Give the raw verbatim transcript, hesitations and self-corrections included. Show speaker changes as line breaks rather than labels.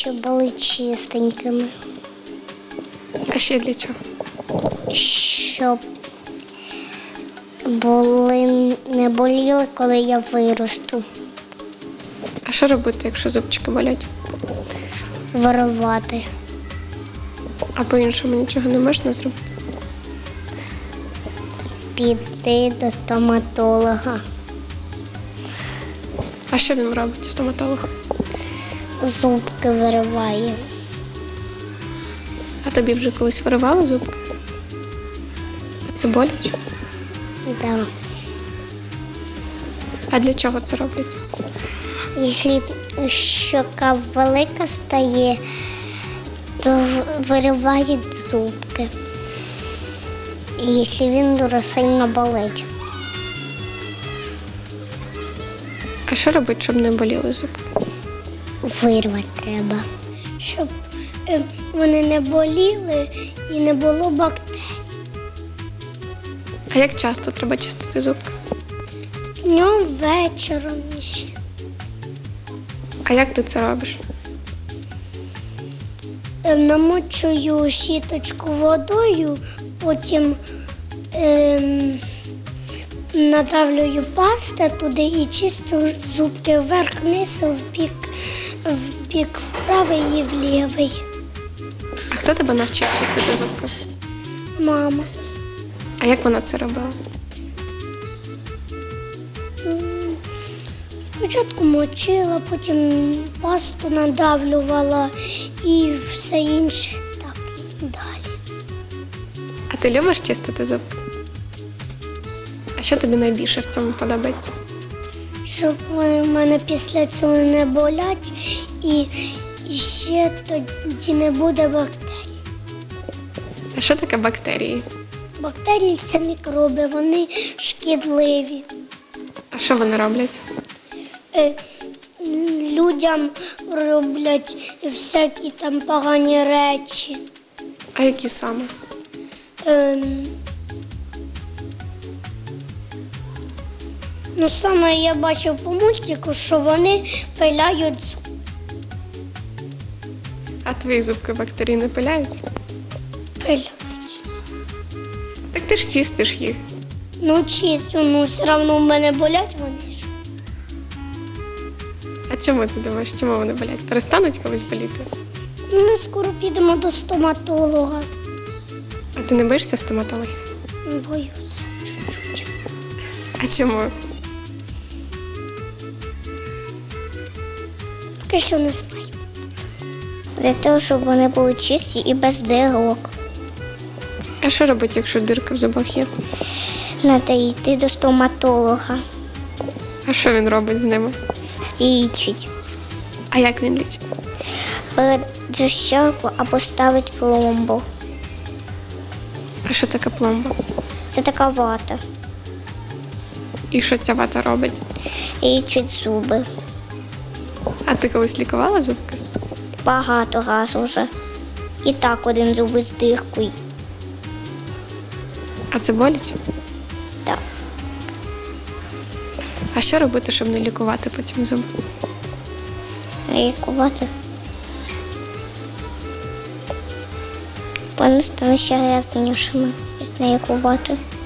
щоб були чистенькими.
А ще для чого?
Щоб були, не боліли, коли я виросту.
А що робити, якщо зубчики болять?
Вирувати.
А по-іншому нічого не можна зробити?
Піти до стоматолога.
А що він робить, стоматолог?
Зубки вириває.
А тобі вже колись виривали зубки? Це боляче?
Да.
А для чого це роблять?
Якщо щока велика стає, то виривають зубки. І якщо він дуже сильно болить.
А що робити, щоб не боліли зубки?
Вирвати треба.
Щоб е, вони не боліли і не було бактерій.
А як часто треба чистити зубки?
Днем, вечором ще.
А як ти це робиш?
Е, Намочую щіточку водою, потім е, надавлюю пасту туди і чистю зубки вверх-вниз, в бік, в бік вправий і в лівий.
А хто тебе навчив чистити зубки?
Мама.
А як вона це робила?
Спочатку мочила, потім пасту надавлювала і все інше так і далі.
А ти любиш чистити зубки? А що тобі найбільше в цьому подобається?
Щоб вони в мене після цього не болять і, і ще тоді не буде бактерій.
А що таке бактерії?
Бактерії – це мікроби, вони шкідливі.
А що вони роблять?
Е, Людям роблять всякі там погані речі.
А які саме?
Ем, Ну, саме я бачив по мультику, що вони пиляють зуб.
А твої зубки бактерії не пиляють?
Пиляють.
Так ти ж чистиш їх.
Ну, чистю, ну все одно в мене болять вони ж.
А чому ти думаєш, чому вони болять? Перестануть колись боліти?
Ну, ми скоро підемо до стоматолога.
А ти не боїшся стоматологів?
Боюся чуть-чуть.
А чому?
Поки що не знаю.
Для того, щоб вони були чисті і без дирок.
А що робити, якщо дирки в зубах є?
Треба йти до стоматолога
А що він робить з ними?
і лічить.
А як він лічить?
Бере щелку або ставить пломбу.
А що таке пломба?
Це така вата.
І що ця вата робить?
І лічить зуби.
А ти колись лікувала зубки?
Багато раз уже. І так один зуб з диркою.
А це боляче?
Так.
А що робити, щоб не лікувати потім зуби?
Лікувати. Вони стануть ще грязнішими, не лікувати.